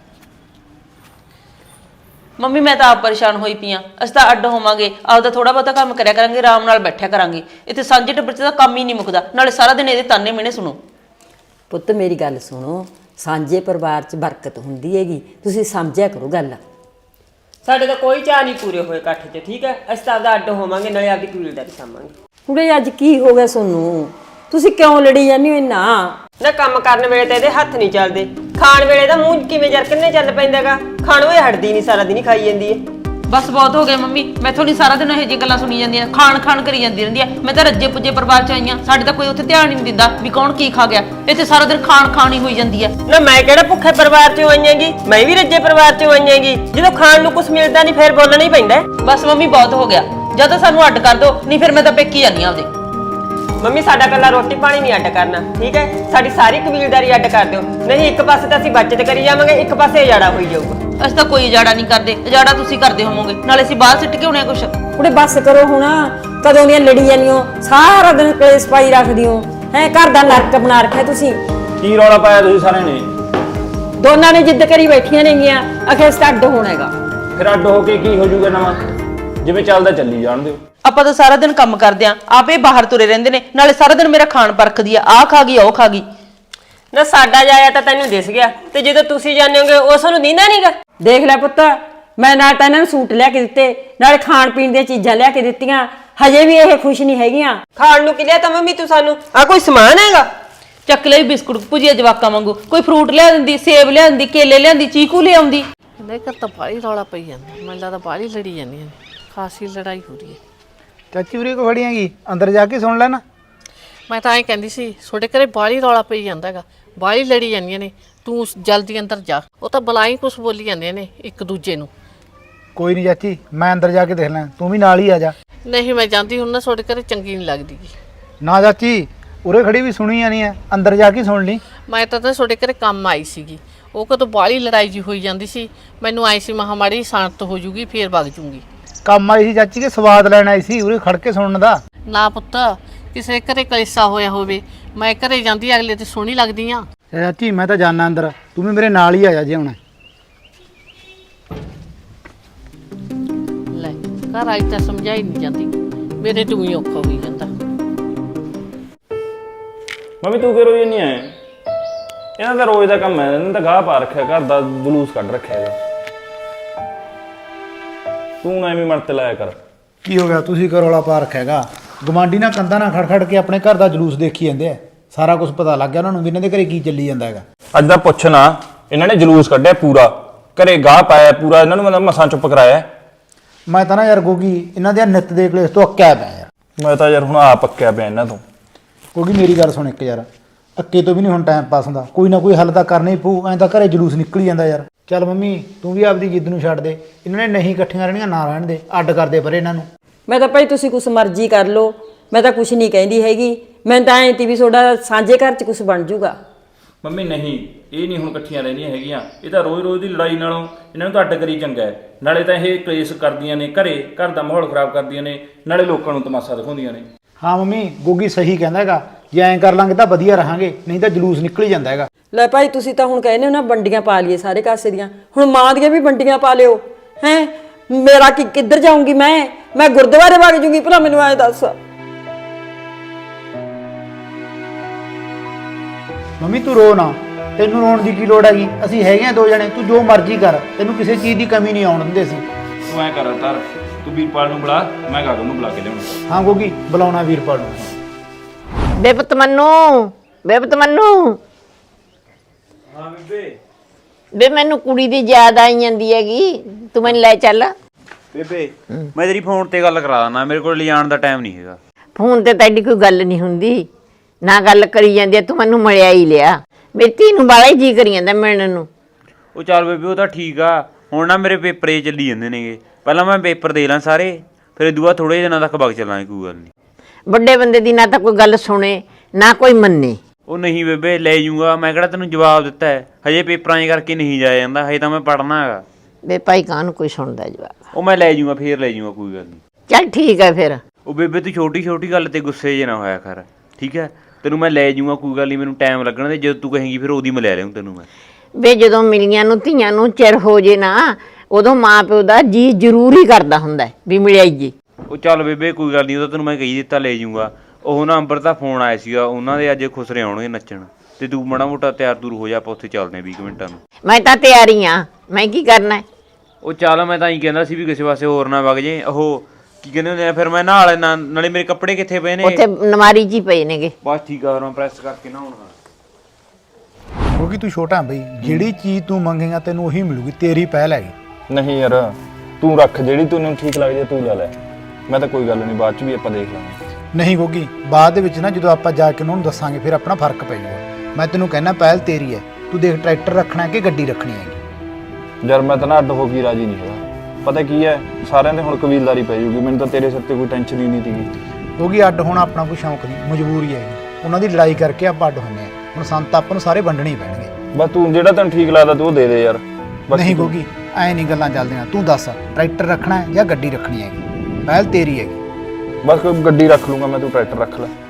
[SPEAKER 2] ਮੰਮੀ ਮੈਂ ਤਾਂ ਆਪ ਪਰੇਸ਼ਾਨ ਹੋਈ ਪਈਆਂ। ਅਸੀਂ ਤਾਂ ਅੱਡ ਹੋਵਾਂਗੇ, ਆਪਦਾ ਥੋੜਾ ਬਹੁਤਾ ਕੰਮ ਕਰਿਆ ਕਰਾਂਗੇ, ਆਰਾਮ ਨਾਲ ਬੈਠਿਆ ਕਰਾਂਗੇ। ਇੱਥੇ ਸਾਂਝੇ ਟੱਬਰ 'ਚ ਤਾਂ ਕੰਮ ਹੀ ਨਹੀਂ ਮੁੱਕਦਾ, ਨਾਲੇ ਸਾਰਾ ਦਿਨ ਇਹਦੇ ਤਾਨੇ ਮਿਹਣੇ ਸੁਣੋ।
[SPEAKER 5] ਪੁੱਤ ਮੇਰੀ ਗੱਲ ਸੁਣੋ, ਸਾਂਝੇ ਪਰਿਵਾਰ 'ਚ ਬਰਕਤ ਹੁੰਦੀ ਹੈਗੀ, ਤੁਸੀਂ ਸਮਝਿਆ ਕਰੋ ਗੱਲ।
[SPEAKER 4] ਸਾਡੇ ਤਾਂ ਕੋਈ ਚਾਹ ਨਹੀਂ ਪੂਰੇ ਹੋਏ ਇਕੱਠ 'ਚ, ਠੀਕ ਹੈ? ਅਸੀਂ ਤਾਂ ਆਪਦਾ ਅੱਡ ਹੋਵਾਂਗੇ, ਨਾਲੇ ਆਪਦੀ ਕਬੀਲਦਾਰੀ ਸਾਂਭਾਂਗੇ।
[SPEAKER 5] ਕੁੜੇ ਅੱਜ ਕੀ ਹੋ ਗਿਆ ਤੁਹਾਨੂੰ? ਤੁਸੀਂ ਕਿਉਂ ਲੜੀ ਜਾਂਦੇ ਹੋ ਇੰਨਾ?
[SPEAKER 4] ਨਾ ਕੰਮ ਕਰਨ ਵੇਲੇ ਤਾਂ ਇਹਦੇ ਹੱਥ ਨਹੀਂ ਚੱਲਦੇ, ਖਾਣ ਵੇਲੇ ਤਾਂ ਮੂੰਹ ਕਿਵੇਂ ਜਰਕਨੇ ਚੱਲ ਪੈਂਦਾਗਾ। ਖਾਣੋਂ ਇਹ ਹਟਦੀ ਨਹੀਂ, ਸਾਰਾ ਦਿਨ ਹੀ ਖਾਈ ਜਾਂਦੀ ਹੈ।
[SPEAKER 2] ਬਸ ਬਹੁਤ ਹੋ ਗਿਆ ਮੰਮੀ, ਮੈਥੋਂ ਨਹੀਂ ਸਾਰਾ ਦਿਨ ਇਹੋ ਜਿਹੀਆਂ ਗੱਲਾਂ ਸੁਣੀ ਜਾਂਦੀਆਂ, ਖਾਣ ਖਾਣ ਕਰੀ ਜਾਂਦੀ ਰਹਿੰਦੀ ਆ। ਮੈਂ ਤਾਂ ਰੱਜੇ ਪੁੱਜੇ ਪਰਿਵਾਰ 'ਚ ਆਈਆਂ, ਸਾਡੇ ਤਾਂ ਕੋਈ ਉੱਥੇ ਧਿਆਨ ਹੀ ਨਹੀਂ ਦਿੰਦਾ ਵੀ ਕੌਣ ਕੀ ਖਾ ਗਿਆ। ਇੱਥੇ ਸਾਰਾ ਦਿਨ ਖਾਣ ਖਾਣ ਹੀ ਹੋਈ ਜਾਂਦੀ ਆ।
[SPEAKER 4] ਨਾ ਮੈਂ ਕਿਹੜਾ ਭੁੱਖੇ ਪਰਿਵਾਰ 'ਚੋਂ ਆਈਆਂਗੀ, ਮੈਂ ਵੀ ਰੱਜੇ ਪਰਿਵਾਰ 'ਚੋਂ ਆਈਆਂਗੀ। ਜਦੋਂ ਖਾਣ ਨੂੰ ਕੁਝ ਮਿਲਦਾ ਨਹੀਂ ਫਿਰ ਬੋਲਣਾ ਹੀ ਪੈਂਦਾ।
[SPEAKER 2] ਬਸ ਮੰਮੀ ਬਹੁਤ ਹੋ ਗਿਆ, ਜਾਂ ਤਾਂ ਸਾਨੂੰ ਅੱਡ ਕਰ ਦਿਓ, ਨਹੀਂ ਫਿਰ ਮੈਂ ਤਾਂ ਪੇਕੀ ਜਾਂਦੀ ਆ ਆਪਦੇ।
[SPEAKER 4] ਮੰਮੀ ਸਾਡਾ ਕੱਲਾ ਰੋਟੀ ਪਾਣੀ ਨਹੀਂ ਅੱਡ ਕਰਨਾ, ਠੀਕ ਹੈ? ਸਾਡੀ ਸਾਰੀ ਕਬੀਲਦਾਰੀ ਅੱਡ ਕਰ ਦਿਓ, ਨਹੀਂ ਇੱਕ ਪਾਸੇ ਤਾਂ ਅਸੀਂ ਬਚਤ ਕਰੀ ਜਾਵਾਂਗੇ, ਇੱਕ ਪਾਸੇ ਉਜਾੜਾ ਹੋਈ ਜਾਊਗਾ।
[SPEAKER 2] ਅਸੀਂ ਤਾਂ ਕੋਈ ਉਜਾੜਾ ਨਹੀਂ ਕਰਦੇ, ਉਜਾੜਾ ਤੁਸੀਂ ਕਰਦੇ ਹੋਵੋਗੇ, ਨਾਲੇ ਅਸੀਂ ਬਾਹਰ ਸਿੱਟ ਕੇ ਆਉਣੇ ਆ ਕੁਛ।
[SPEAKER 5] ਕੁੜੇ ਬੱਸ ਕਰੋ ਹੁਣ, ਕਦੋਂ ਦੀਆਂ ਲੜੀ ਜਾਂਦੀਆਂ, ਸਾਰਾ ਦਿਨ ਕਲੇਸ਼ ਪਾਈ ਰੱਖਦੀ ਹੋ ਹੈ। ਘਰ ਦਾ ਨਰਕ ਬਣਾ ਰੱਖਿਆ ਤੁਸੀਂ।
[SPEAKER 7] ਕੀ ਰੌਲਾ ਪਾਇਆ ਤੁਸੀਂ ਸਾਰਿਆਂ ਨੇ?
[SPEAKER 5] ਦੋਨਾਂ ਨੇ ਜਿੱਦ ਕਰੀ ਬੈਠੀਆਂ ਨੇਗੀਆਂ ਅਖੇ ਸਟੱਡ ਹੋਣਾ ਹੈਗਾ।
[SPEAKER 7] ਫਿਰ ਅੱਡ ਹੋ ਕੇ ਕੀ ਹੋ ਜਾਊਗਾ ਨਵਾਂ? ਜਿਵੇਂ ਚੱਲਦਾ ਚੱਲੀ ਜਾਣ ਦਿਓ।
[SPEAKER 2] ਆਪਾਂ ਤਾਂ ਸਾਰਾ ਦਿਨ ਕੰਮ ਕਰਦੇ ਆਂ, ਆਪੇ ਬਾਹਰ ਤੁਰੇ ਰਹਿੰਦੇ ਨੇ, ਨਾਲੇ ਸਾਰਾ ਦਿਨ ਮੇਰਾ ਖਾਣ ਪਰਖਦੀ ਆ, ਆਹ ਖਾ ਗਈ ਉਹ ਖਾ ਗਈ।
[SPEAKER 8] ਨਾ ਸਾਡਾ ਜਾਇਆ ਤਾਂ ਤੈਨੂੰ ਦਿਸ ਗਿਆ ਤੇ ਜਦੋਂ ਤੁਸੀਂ ਜਾਂਦੇ ਹੋਗੇ ਉਸ ਨੂੰ ਦੀਂਦਾ ਨਹੀਂਗਾ।
[SPEAKER 5] ਦੇਖ ਲੈ ਪੁੱਤ, ਮੈਂ ਨਾਲ ਤਾਂ ਇਹਨਾਂ ਨੂੰ ਸੂਟ ਲਿਆ ਕੇ ਦਿੱਤੇ, ਨਾਲੇ ਖਾਣ ਪੀਣ ਦੀਆਂ ਚੀਜ਼ਾਂ ਲਿਆ ਕੇ ਦਿੱਤੀਆਂ, ਹਜੇ ਵੀ ਇਹ ਖੁਸ਼ ਨਹੀਂ ਹੈਗੀਆਂ।
[SPEAKER 8] ਖਾਣ ਨੂੰ ਕੀ ਲਿਆ ਤਾਂ ਮੰਮੀ ਤੂੰ ਸਾਨੂੰ? ਆ ਕੋਈ ਸਮਾਨ ਹੈਗਾ?
[SPEAKER 2] ਚੱਕ ਲਈ ਬਿਸਕੁਟ ਭੁਜੀਆ ਜਵਾਕਾਂ ਵਾਂਗੂ, ਕੋਈ ਫਰੂਟ ਲਿਆ ਦਿੰਦੀ, ਸੇਬ ਲਿਆਂਦੀ, ਕੇਲੇ ਲਿਆਂਦੀ, ਚੀਕੂ ਲਿਆਉਂਦੀ।
[SPEAKER 6] ਇਹਦੇ ਘਰ ਤਾਂ ਬਾਹਲੀ ਰੌਲਾ ਪਈ ਜਾਂਦਾ, ਮੈਨੂੰ ਲੱਗਦਾ ਬਾਹਲੀ ਲੜੀ ਜਾਂਦੀਆਂ ਨੇ, ਖਾਸੀ ਲੜਾਈ ਹੋ ਰਹੀ ਹੈ।
[SPEAKER 1] ਚਾਚੀ ਉਰੇ ਕੋ ਖੜੀ ਹੈਗੀ, ਅੰਦਰ ਜਾ ਕੇ ਸੁਣ ਲੈ ਨਾ।
[SPEAKER 6] ਮੈਂ ਤਾਂ ਐਂ ਕਹਿੰਦੀ ਸੀ ਤੁਹਾਡੇ ਘਰੇ ਬਾਹਲੀ ਰੌਲਾ ਪਈ ਜਾਂਦਾ ਹੈਗਾ, ਬਾਹਲੀ ਲੜੀ ਜਾਂਦੀਆਂ ਨੇ, ਤੂੰ ਜਲਦੀ ਅੰਦਰ ਜਾ। ਉਹ ਤਾਂ ਬੁਲਾਈ ਕੁਛ ਬੋਲੀ ਜਾਂਦੀਆਂ ਨੇ ਇੱਕ ਦੂਜੇ ਨੂੰ।
[SPEAKER 1] ਕੋਈ ਨਹੀਂ ਚਾਚੀ, ਮੈਂ ਅੰਦਰ ਜਾ ਕੇ ਦੇਖ ਲਾਂ, ਤੂੰ ਵੀ ਨਾਲ ਹੀ ਆ ਜਾ।
[SPEAKER 6] ਨਹੀਂ ਮੈਂ ਜਾਂਦੀ ਹੁਣ ਨਾ, ਤੁਹਾਡੇ ਘਰੇ ਚੰਗੀ ਨਹੀਂ ਲੱਗਦੀ ਗੀ।
[SPEAKER 1] ਨਾ ਚਾਚੀ, ਉਰੇ ਖੜੀ ਵੀ ਸੁਣੀ ਜਾਣੀ ਹੈ, ਅੰਦਰ ਜਾ ਕੇ ਸੁਣ ਲਈ।
[SPEAKER 6] ਮੈਂ ਤਾਂ ਤੁਹਾਡੇ ਘਰੇ ਕੰਮ ਆਈ ਸੀਗੀ, ਉਹ ਕਦੋਂ ਬਾਹਲੀ ਲੜਾਈ ਜੀ ਹੋਈ ਜਾਂਦੀ ਸੀ, ਮੈਨੂੰ ਆਈ ਸੀ ਮਹਾਮਾਰੀ ਸ਼ਾਂਤ ਹੋ ਜੂਗੀ ਫੇਰ ਵਗ ਜੂਗੀ।
[SPEAKER 1] ਕੰਮ ਆਈ ਸੀ ਚਾਚੀ ਕੇ ਸਵਾਦ ਲੈਣ ਆਈ ਸੀ, ਉਰੇ ਖੜ ਕੇ ਸੁਣਨ ਦਾ।
[SPEAKER 6] ਨਾ ਪੁੱਤ, ਕਿਸੇ ਘਰੇ ਕਲੇਸਾ ਹੋਇਆ ਹੋਵੇ, ਮੈਂ ਘਰੇ ਜਾਂਦੀ ਅਗਲੇ ਤੇ ਸੋਹਣੀ ਲੱਗਦੀ ਆ।
[SPEAKER 1] ਚਾਚੀ ਮੈਂ ਤਾਂ ਜਾਣਾ ਅੰਦਰ, ਤੂੰ ਵੀ ਮੇਰੇ ਨਾਲ ਹੀ ਆ ਜਾ ਜੇ ਹੁਣ।
[SPEAKER 6] ਲੈ ਘਰ ਆਈ ਤਾਂ ਸਮਝਾਈ ਨਹੀਂ ਜਾਂਦੀ, ਮੇਰੇ ਤੋਂ ਹੀ ਔਖਾ ਹੋਈ ਜਾਂਦਾ।
[SPEAKER 7] ਮੰਮੀ ਤੂੰ ਕਿਉਂ ਰੋਈ ਨਹੀਂ ਆਏ? ਇਹਨਾਂ ਦਾ ਰੋਜ਼ ਦਾ ਕੰਮ ਹੈ, ਇਹਨਾਂ ਦਾ ਗਾਹ ਪਾ ਰੱਖਿਆ, ਘਰ ਦਾ ਜਲੂਸ ਕੱਢ ਰੱਖਿਆ ਹੈਗਾ। ਤੂੰ ਨਾ ਐਵੇਂ ਮਰਤੇ ਲਾਇਆ ਕਰ।
[SPEAKER 1] ਕੀ ਹੋ ਗਿਆ, ਤੁਸੀਂ ਘਰ ਵਾਲਾ ਪਾ ਰੱਖਿਆ ਹੈਗਾ? ਗਵਾਂਢੀ ਨਾਲ ਕੰਧਾਂ ਨਾਲ ਖੜ ਖੜ ਕੇ ਆਪਣੇ ਘਰ ਦਾ ਜਲੂਸ ਦੇਖੀ ਜਾਂਦੇ ਆ, ਸਾਰਾ ਕੁਝ ਪਤਾ ਲੱਗ ਗਿਆ ਉਹਨਾਂ ਨੂੰ ਵੀ ਇਹਨਾਂ ਦੇ ਘਰੇ ਕੀ ਚੱਲੀ ਜਾਂਦਾ ਹੈਗਾ।
[SPEAKER 7] ਅੱਜ ਦਾ ਪੁੱਛ ਨਾ, ਇਹਨਾਂ ਨੇ ਜਲੂਸ ਕੱਢਿਆ ਪੂਰਾ, ਘਰੇ ਗਾਹ ਪਾਇਆ ਪੂਰਾ, ਇਹਨਾਂ ਨੂੰ ਮੈਂ ਮਸਾਂ ਚੁੱਪ ਕਰਾਇਆ।
[SPEAKER 1] ਮੈਂ ਤਾਂ ਨਾ ਯਾਰ ਗੋਗੀ ਇਹਨਾਂ ਦੇ ਨਿੱਤ ਦੇ ਕਲੇਸ਼ ਤੋਂ ਅੱਕਿਆ ਪਿਆ ਯਾਰ।
[SPEAKER 7] ਮੈਂ ਤਾਂ ਯਾਰ ਹੁਣ ਆਪ ਪੱਕਿਆ ਪਿਆ ਇਹਨਾਂ ਤੋਂ।
[SPEAKER 1] ਗੋਗੀ ਮੇਰੀ ਗੱਲ ਸੁਣ ਇੱਕ ਯਾਰ, ਅੱਕੇ ਤੋਂ ਵੀ ਨਹੀਂ ਹੁਣ ਟਾਈਮ ਪਾਸ ਹੁੰਦਾ, ਕੋਈ ਨਾ ਕੋਈ ਹੱਲ ਤਾਂ ਕਰਨਾ ਹੀ ਪਊ, ਐਂ ਤਾਂ ਘਰੇ ਜਲੂਸ ਨਿਕਲ ਹੀ ਜਾਂਦਾ ਯਾਰ। ਚੱਲ ਮੰਮੀ ਤੂੰ ਵੀ ਆਪਦੀ ਜਿੱਦ ਨੂੰ ਛੱਡ ਦੇ, ਇਹਨਾਂ ਨੇ ਨਹੀਂ ਇਕੱਠੀਆਂ ਰਹਿਣੀਆਂ, ਨਾ ਰਹਿਣ ਦੇ, ਅੱਡ ਕਰਦੇ ਪਰੇ ਇਹਨਾਂ ਨੂੰ।
[SPEAKER 5] ਮੈਂ ਤਾਂ ਭਾਈ ਤੁਸੀਂ ਕੁਛ ਮਰਜ਼ੀ ਕਰ ਲਓ, ਮੈਂ ਤਾਂ ਕੁਛ ਨਹੀਂ ਕਹਿੰਦੀ ਹੈਗੀ। ਮੈਂ ਤਾਂ ਐਂ ਤੀ ਵੀ ਤੁਹਾਡਾ ਸਾਂਝੇ ਘਰ 'ਚ ਕੁਛ ਬਣ ਜੂਗਾ।
[SPEAKER 7] ਮੰਮੀ ਨਹੀਂ, ਇਹ ਨਹੀਂ ਹੁਣ ਇਕੱਠੀਆਂ ਰਹਿੰਦੀਆਂ ਹੈਗੀਆਂ, ਇਹ ਤਾਂ ਰੋਜ਼-ਰੋਜ਼ ਦੀ ਲੜਾਈ ਨਾਲੋਂ ਇਹਨਾਂ ਨੂੰ ਤਾਂ ਅੱਡ ਕਰੀ ਚੰਗਾ ਹੈ। ਨਾਲੇ ਤਾਂ ਇਹ ਕਲੇਸ਼ ਕਰਦੀਆਂ ਨੇ ਘਰੇ, ਘਰ ਦਾ ਮਾਹੌਲ ਖਰਾਬ ਕਰਦੀਆਂ ਨੇ, ਨਾਲੇ ਲੋਕਾਂ ਨੂੰ ਤਮਾਸ਼ਾ ਦਿਖਾਉਂਦੀਆਂ ਨੇ।
[SPEAKER 1] ਹਾਂ ਮੰਮੀ, ਗੋਗੀ ਸਹੀ ਕਹਿੰਦਾ ਹੈਗਾ, ਜੇ ਐਂ ਕਰ ਲਾਂਗੇ ਤਾਂ ਵਧੀਆ ਰਹਾਂਗੇ, ਨਹੀਂ ਤਾਂ ਜਲੂਸ ਨਿਕਲ ਹੀ ਜਾਂਦਾ ਹੈਗਾ।
[SPEAKER 5] ਲੈ ਭਾਈ ਤੁਸੀਂ ਤਾਂ ਹੁਣ ਕਹਿੰਦੇ ਹੋ ਨਾ ਵੰਡੀਆਂ ਪਾ ਲਈਏ ਸਾਰੇ ਕਾਸੇ ਦੀਆਂ, ਹੁਣ ਮਾਂ ਦੀਆਂ ਵੀ ਵੰਡੀਆਂ ਪਾ ਲਿਓ। ਹੈ ਮੇਰਾ ਕਿੱਧਰ ਜਾਊਂਗੀ ਮੈਂ ਗੁਰਦੁਆਰੇ ਵਗ ਜੂਗੀ, ਭਲਾ ਮੈਨੂੰ ਐਂ ਦੱਸ।
[SPEAKER 1] ਮੰਮੀ ਤੂੰ ਰੋ ਨਾ, ਤੈਨੂੰ ਰੋਣ ਦੀ ਕੀ ਲੋੜ ਹੈਗੀ, ਅਸੀਂ ਹੈਗੇ ਆ ਦੋ ਜਣੇ, ਤੂੰ ਜੋ ਮਰਜ਼ੀ ਕਰ, ਤੈਨੂੰ ਕਿਸੇ ਚੀਜ਼ ਦੀ ਕਮੀ ਨਹੀਂ ਆਉਣ ਦਿੰਦੇ ਅਸੀਂ।
[SPEAKER 7] ਤੂੰ ਐਂ ਕਰ ਤਰ, ਤੂੰ ਵੀਰਪਾਲ ਨੂੰ ਬੁਲਾ, ਮੈਂ ਗਾਗਨ ਨੂੰ ਬੁਲਾ ਕੇ ਲਿਆਉਣਾ।
[SPEAKER 1] ਹਾਂ ਗੋਗੀ, ਬੁਲਾਉਣਾ ਵੀਰਪਾਲ ਨੂੰ।
[SPEAKER 3] ਬੇਪਤ ਮੰਨੂ, ਬੇਪਤ ਮੰਨੂ।
[SPEAKER 7] ਹਾਂ ਬੇਬੇ।
[SPEAKER 3] ਬੇ ਮੈਨੂੰ ਕੁੜੀ ਦੀ ਯਾਦ ਆਈ ਜਾਂਦੀ ਹੈਗੀ, ਤੂੰ ਮੈਨੂੰ ਲੈ ਚੱਲ।
[SPEAKER 9] ਬੇਬੇ ਮੈਂ ਤੇਰੀ ਫੋਨ ਤੇ ਗੱਲ ਕਰਾ ਦਾਂ, ਮੇਰੇ ਕੋਲ ਲਿਜਾਣ ਦਾ ਟਾਈਮ ਨਹੀਂ ਹੈਗਾ।
[SPEAKER 3] ਫੋਨ ਤੇ ਤਾਂ ਐਡੀ ਕੋਈ ਗੱਲ ਨਹੀਂ ਹੁੰਦੀ, ਨਾ ਗੱਲ ਕਰੀ ਜਾਂਦੀ ਆ, ਤੂੰ ਮੈਨੂੰ ਮਿਲਿਆ ਹੀ ਲਿਆ। ਮੇਰੀ ਧੀ ਨੂੰ ਬਾਲਾ ਹੀ ਜੀ ਕਰੀ ਜਾਂਦਾ ਮਿਲਣ ਨੂੰ।
[SPEAKER 9] ਉਹ ਚੱਲ ਬੇਬੇ ਉਹ ਤਾਂ ਠੀਕ ਆ, ਹੁਣ ਨਾ ਮੇਰੇ ਪੇਪਰ ਏ ਚੱਲੀ ਜਾਂਦੇ ਨੇਗੇ, ਪਹਿਲਾਂ ਮੈਂ ਪੇਪਰ ਦੇ ਲਾਂ ਸਾਰੇ, ਫਿਰ ਇਹ ਦੂਆ ਥੋੜੇ ਦਿਨਾਂ ਤੱਕ ਵਗ ਚੱਲਾਂਗੇ, ਕੋਈ ਗੱਲ ਨਹੀਂ।
[SPEAKER 3] ਵੱਡੇ ਬੰਦੇ ਦੀ ਨਾ ਤਾਂ ਕੋਈ ਗੱਲ ਸੁਣੇ ਨਾ ਕੋਈ ਮੰਨੇ।
[SPEAKER 9] ਉਹ ਨਹੀਂ ਬੇਬੇ ਲੈ ਜੂੰਗਾ, ਮੈਂ ਕਿਹੜਾ ਤੈਨੂੰ ਜਵਾਬ ਦਿੱਤਾ ਹੈ, ਹਜੇ ਪੇਪਰਾਂ 'ਚ ਕਰਕੇ ਨਹੀਂ ਜਾਇਆ ਜਾਂਦਾ, ਹਜੇ ਤਾਂ ਮੈਂ ਪੜ੍ਹਨਾ ਹੈਗਾ।
[SPEAKER 3] ਬੇ ਭਾਈ ਕਾਹਨੂੰ ਕੋਈ ਸੁਣਦਾ ਜਵਾਬ।
[SPEAKER 9] ਉਹ ਮੈਂ ਲੈ ਜੂੰਗਾ, ਫੇਰ ਲੈ ਜੂੰਗਾ, ਕੋਈ ਗੱਲ ਨਹੀਂ।
[SPEAKER 3] ਚੱਲ ਠੀਕ ਹੈ ਫਿਰ।
[SPEAKER 9] ਉਹ ਬੇਬੇ ਤੂੰ ਛੋਟੀ ਛੋਟੀ ਗੱਲ ਤੇ ਗੁੱਸੇ ਜੇ ਨਾ ਹੋਇਆ ਕਰ, ਠੀਕ ਹੈ? ਤੈਨੂੰ ਮੈਂ ਲੈ ਜੂੰਗਾ, ਕੋਈ ਗੱਲ ਨਹੀਂ, ਮੈਨੂੰ ਟਾਈਮ ਲੱਗਣਾ, ਤੇ ਜਦੋਂ ਤੂੰ ਕਹੇਂਗੀ ਫਿਰ ਉਹਦੀ ਮੈਂ ਲੈ ਲਿਆਉਂ ਤੈਨੂੰ ਮੈਂ।
[SPEAKER 3] ਵੇ ਜਦੋਂ ਮਿਲੀਆਂ ਨੂੰ ਧੀਆਂ ਨੂੰ ਚਿਰ ਹੋ ਜੇ ਨਾ, ਉਦੋਂ ਮਾਂ ਪਿਓ ਦਾ ਜੀ ਜ਼ਰੂਰੀ ਕਰਦਾ ਹੁੰਦਾ ਵੀ ਮਿਲਿਆਈ ਜੀ।
[SPEAKER 9] ਉਹ ਚੱਲ ਬੇਬੇ ਕੋਈ ਗੱਲ ਨਹੀਂ, ਉਹ ਤਾਂ ਤੈਨੂੰ ਮੈਂ ਕਹੀ ਦਿੱਤਾ ਲੈ ਜੂੰਗਾ। ਉਹ ਨਾ ਅੰਬਰ ਦਾ ਫੋਨ ਆਇਆ ਸੀਗਾ, ਉਹਨਾਂ ਦੇ ਅੱਜ ਖੁਸਰੇ ਆਉਣਗੇ ਨੱਚਣ, ਤੇ ਤੂੰ ਮਾੜਾ ਮੋਟਾ ਤਿਆਰ ਤੁਰ ਹੋ ਜਾ, ਆਪਾਂ ਉੱਥੇ ਚੱਲਦੇ ਹਾਂ 20 ਮਿੰਟਾਂ ਨੂੰ।
[SPEAKER 3] ਮੈਂ ਤਾਂ ਤਿਆਰੀ ਆ, ਮੈਂ ਕੀ ਕਰਨਾ ਹੈ?
[SPEAKER 9] ਉਹ ਚੱਲ ਮੈਂ ਤਾਂ ਹੀ ਕਹਿੰਦਾ ਸੀ ਵੀ ਕਿਸੇ ਪਾਸੇ ਹੋਰ ਨਾ ਵਗ ਜੇ। ਉਹ ਕੀ ਕਹਿੰਦੇ ਹੁੰਦੇ ਆ, ਫਿਰ ਮੈਂ ਨਹਾ ਲੈਣਾ, ਨਾਲੇ ਮੇਰੇ ਕੱਪੜੇ ਕਿੱਥੇ ਪਏ ਨੇ?
[SPEAKER 3] ਉੱਥੇ ਨਮਾਰੀ 'ਚ ਹੀ ਪਏ ਨੇਗੇ।
[SPEAKER 9] ਬਸ ਠੀਕ ਆ, ਮੈਂ ਪ੍ਰੈਸ ਕਰਕੇ ਨਹਾਉਣਾ।
[SPEAKER 1] ਕਿਉਂਕਿ ਤੂੰ ਛੋਟਾ ਬਈ, ਜਿਹੜੀ ਚੀਜ਼ ਤੂੰ ਮੰਗੇਗਾ ਤੈਨੂੰ ਉਹੀ ਮਿਲੂਗੀ, ਤੇਰੀ ਪਹਿਲ ਹੈਗੀ।
[SPEAKER 7] ਨਹੀਂ ਯਾਰ, ਤੂੰ ਰੱਖ, ਜਿਹੜੀ ਤੈਨੂੰ ਠੀਕ ਲੱਗਦੀ ਤੂੰ ਲੈ ਲੈ, ਮੈਂ ਤਾਂ ਕੋਈ ਗੱਲ ਨਹੀਂ, ਬਾਅਦ ਚ ਵੀ ਆਪਾਂ ਦੇਖ ਲਾਂਗੇ।
[SPEAKER 1] ਨਹੀਂ ਗੋਗੀ, ਬਾਅਦ ਦੇ ਵਿੱਚ ਨਾ ਜਦੋਂ ਆਪਾਂ ਜਾ ਕੇ ਉਹਨਾਂ ਨੂੰ ਦੱਸਾਂਗੇ ਫਿਰ ਆਪਣਾ ਫਰਕ ਪੈ ਜਾਊਗਾ। ਮੈਂ ਤੈਨੂੰ ਕਹਿਣਾ ਪਹਿਲ ਤੇਰੀ ਹੈ, ਤੂੰ ਦੇਖ ਟਰੈਕਟਰ ਰੱਖਣਾ ਕਿ ਗੱਡੀ ਰੱਖਣੀ ਹੈਗੀ।
[SPEAKER 7] ਯਾਰ ਮੈਂ ਤਾਂ ਨਾ ਅੱਡ ਹੋ ਕੇ ਰਾਜੀ ਨਹੀਂ ਹੈਗਾ, ਪਤਾ ਕੀ ਹੈ, ਸਾਰਿਆਂ ਦੇ ਹੁਣ ਕਬੀਲਦਾਰੀ ਪੈ ਜੂਗੀ, ਮੈਨੂੰ ਤਾਂ ਤੇਰੇ ਸਿਰ ਤੇ ਕੋਈ ਟੈਨਸ਼ਨ ਹੀ ਨਹੀਂ ਸੀਗੀ।
[SPEAKER 1] ਕਿਉਂਕਿ ਅੱਡ ਹੋਣਾ ਆਪਣਾ ਕੋਈ ਸ਼ੌਂਕ ਨਹੀਂ, ਮਜਬੂਰੀ ਹੈਗੀ। ਉਹਨਾਂ ਦੀ ਲੜਾਈ ਕਰਕੇ ਆਪਾਂ ਅੱਡ ਹੁੰਦੇ ਆ, ਹੁਣ ਸੰਤ ਆਪਾਂ ਨੂੰ ਸਾਰੇ ਵੰਡਣੇ ਹੀ ਪੈਣਗੇ।
[SPEAKER 7] ਬਸ ਤੂੰ ਜਿਹੜਾ ਤੈਨੂੰ ਠੀਕ ਲੱਗਦਾ ਤੂੰ ਉਹ ਦੇ ਦੇ ਯਾਰ।
[SPEAKER 1] ਨਹੀਂ ਗੋਗੀ, ਐਂ ਨਹੀਂ ਗੱਲਾਂ ਚੱਲਦੀਆਂ, ਤੂੰ ਦੱਸ ਟਰੈਕਟਰ ਰੱਖਣਾ ਹੈ ਜਾਂ ਗੱਡੀ ਰੱਖਣੀ ਹੈਗੀ, ਪਹਿਲ ਤੇਰੀ ਹੈਗੀ।
[SPEAKER 7] ਬਸ ਕੋਈ ਗੱਡੀ ਰੱਖ ਲੂੰਗਾ ਮੈਂ, ਤੂੰ ਟਰੈਕਟਰ ਰੱਖ ਲੈ।